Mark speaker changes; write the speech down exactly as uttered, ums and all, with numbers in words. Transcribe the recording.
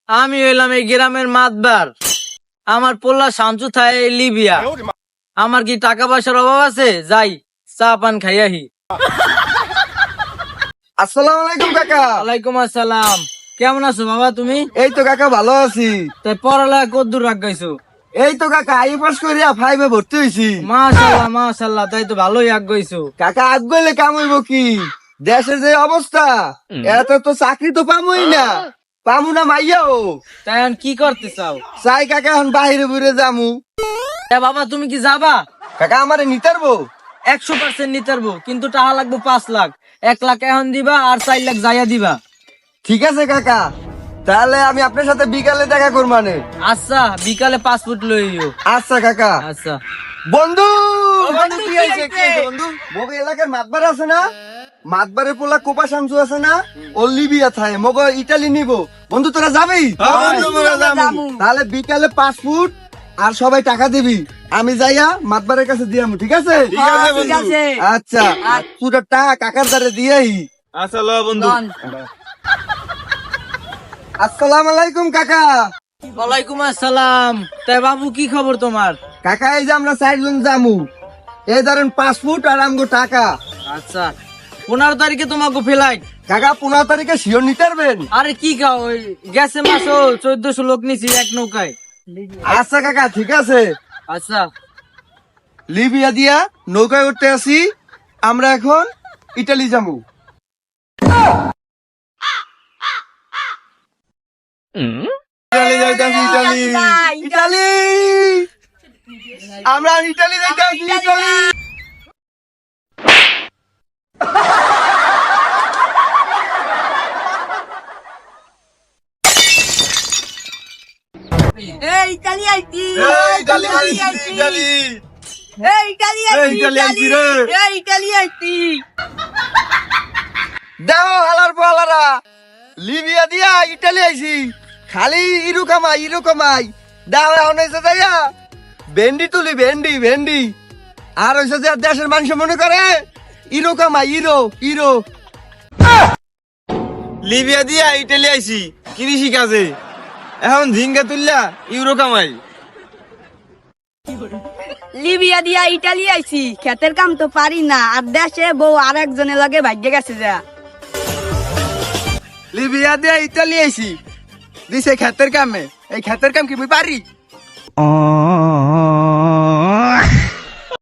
Speaker 1: আমি হইলাম এই গ্রামের মাতবার। আমার পোল্লা শামসু থাই লিবিয়া। আমার কি টাকা পয়সার অভাব আছে? যাই চা পান খাইয়াহি।
Speaker 2: আসসালামু আলাইকুম কাকা।
Speaker 1: ওয়ালাইকুম আসসালাম। কেমন আছো বাবা তুমি?
Speaker 2: এই তো কাকা ভালো আছি।
Speaker 1: তাই পড়ালেখা কদ্দূর রাখ গাইছো?
Speaker 2: এই তো কাকা আই পাস করিয়া ফাইভে ভর্তি হইছি।
Speaker 1: মাশাআল্লাহ মাশাআল্লাহ, তাই তো ভালোই আগ গইছো।
Speaker 2: কাকা আগ গইলে কাম হইব কি? দেশের যে অবস্থা, এত তো চাকরি তো পামুই না, পামু না মাইয়াও।
Speaker 1: তাই এখন কি করতে চাও?
Speaker 2: চাই কাকা এখন বাহিরে বুড়ে যামু।
Speaker 1: এ বাবা তুমি কি যাবা?
Speaker 2: কাকা আমারে নিতারবো?
Speaker 1: একশো পার্সেন্ট নিতে পারবো, কিন্তু টাকা লাগবে পাঁচ লাখ। এক লাখ এখন দিবা আর চার লাখ যাইয়া দিবা।
Speaker 2: ঠিক আছে কাকা, তাহলে আমি আপনার সাথে বিকালে দেখা করব মানে।
Speaker 1: আচ্ছা বিকালে পাসপোর্ট লইও।
Speaker 2: আচ্ছা কাকা।
Speaker 1: আচ্ছা
Speaker 2: বন্ধু
Speaker 1: বন্ধু,
Speaker 2: কি
Speaker 1: কি
Speaker 2: হয়েছে,
Speaker 1: হয়েছে?
Speaker 2: কি হয়েছে বন্ধু? মগো এলাকার মাতবার আছে না, মাতবারে পোলা কোপা শামসু আছে না, ও লিবিয়া থাকে, মগো ইটালি নিব। বন্ধু তোরা যাবি? তাহলে বিকালে পাসপোর্ট আর সবাই টাকা দিবি, আমি যাইয়া মাতবারের কাছে দিয়ামু। ঠিক আছে?
Speaker 1: ঠিক আছে।
Speaker 2: আচ্ছা পুরো টাকা কাকার দ্বারে দিয়াই।
Speaker 3: আচ্ছা ল বন্ধু।
Speaker 2: আসসালাম আলাইকুম কাকা।
Speaker 1: ওয়ালাইকুম আসসালাম। তাই বাবু কি খবর তোমার?
Speaker 2: কাকা এই যে আমরা চারজন যামু, এই ধরেন পাসপোর্ট আর আমগো টাকা।
Speaker 1: আচ্ছা পনেরো তারিখে তোমাকে ফ্লাইট।
Speaker 2: কাকা পনেরো তারিখে শিওর নিতে পারবেন?
Speaker 1: আরে কি খাও, ওই গেছে মাসো চোদ্দশো লোক নিছি এক নৌকায়।
Speaker 2: আচ্ছা কাকা ঠিক আছে।
Speaker 1: আচ্ছা
Speaker 2: লিবিয়া দিয়া নৌকায় উঠতে আসি, আমরা এখন ইটালি যাবো। ইটালি যাইতাছি, ইটালি ইটালি আমরা ইটালি যাইতাছি, ইটালি।
Speaker 4: এই ইতালি আইতি
Speaker 2: এই ইটালি আইছি, ইটালি।
Speaker 4: এই ইতালি
Speaker 2: এই
Speaker 4: আইতি
Speaker 2: ইটালি আইছি রে।
Speaker 4: এই ইতালি আইতি
Speaker 2: দেখো হালার পালারা, লিবিয়া দিয়া ইটালি আইছি, খালি ইরু কামাই ইরু কামাই। দাও এখন হয়েছে যাইয়া ভেন্ডি তুলি, ভেন্ডি ভেন্ডি। আর হয়েছে যে দেশের মানুষ মনে করে ইরো কামাই, ইরো ইরো।
Speaker 3: লিবিয়া দিয়া ইটালি আইছি কৃষি কাজে, এখন ঝিঙ্গা তুললা ইউরো কামাই।
Speaker 4: লিবিয়া দিয়া ইতালি আইছি, ক্ষেতের কাম তো পারি না, আর দেশে বউ আর একজনের লগে ভাগ্যে গেছে যা।
Speaker 2: লিবিয়া দিয়া ইটালি আইছি, দিছে খেতের কামে। এই খেতের কাম কি মুই পারি?